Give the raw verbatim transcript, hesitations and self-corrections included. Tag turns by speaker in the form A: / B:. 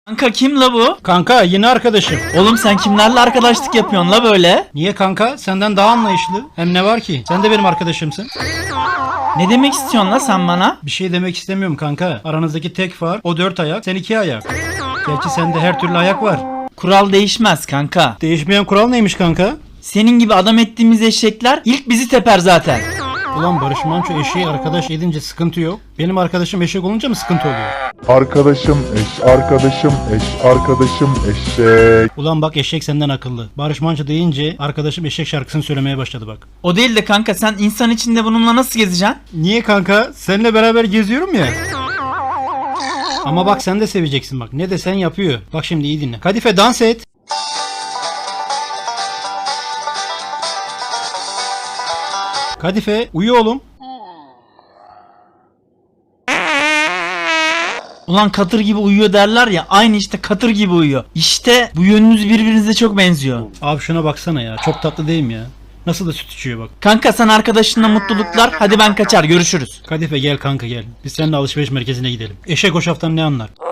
A: Kanka kim la bu?
B: Kanka yine arkadaşım.
A: Oğlum sen kimlerle arkadaşlık yapıyorsun la böyle?
B: Niye kanka? Senden daha anlayışlı. Hem ne var ki? Sen de benim arkadaşımsın.
A: Ne demek istiyorsun la sen bana?
B: Bir şey demek istemiyorum kanka. Aranızdaki tek fark o dört ayak, sen iki ayak. Gerçi sende her türlü ayak var.
A: Kural değişmez kanka.
B: Değişmeyen kural neymiş kanka?
A: Senin gibi adam ettiğimiz eşekler ilk bizi teper zaten.
B: Ulan Barış Manço eşeği arkadaş edince sıkıntı yok. Benim arkadaşım eşek olunca mı sıkıntı oluyor?
C: Arkadaşım eş, arkadaşım eş, arkadaşım eşek.
B: Ulan bak eşek senden akıllı. Barış Manço deyince arkadaşım eşek şarkısını söylemeye başladı bak.
A: O değil de kanka sen insan içinde bununla nasıl gezeceksin?
B: Niye kanka? Seninle beraber geziyorum ya. Ama bak sen de seveceksin bak. Ne desen yapıyor. Bak şimdi iyi dinle. Kadife dans et. Kadife uyu oğlum.
A: Ulan katır gibi uyuyor derler ya, aynı işte katır gibi uyuyor. İşte bu yönünüz birbirinize çok benziyor.
B: Abi şuna baksana ya. Çok tatlı değil mi ya? Nasıl da süt içiyor bak.
A: Kanka sen arkadaşınla mutluluklar, hadi ben kaçar, görüşürüz.
B: Kadife gel kanka gel. Biz seninle alışveriş merkezine gidelim. Eşek o şaftan ne anlar?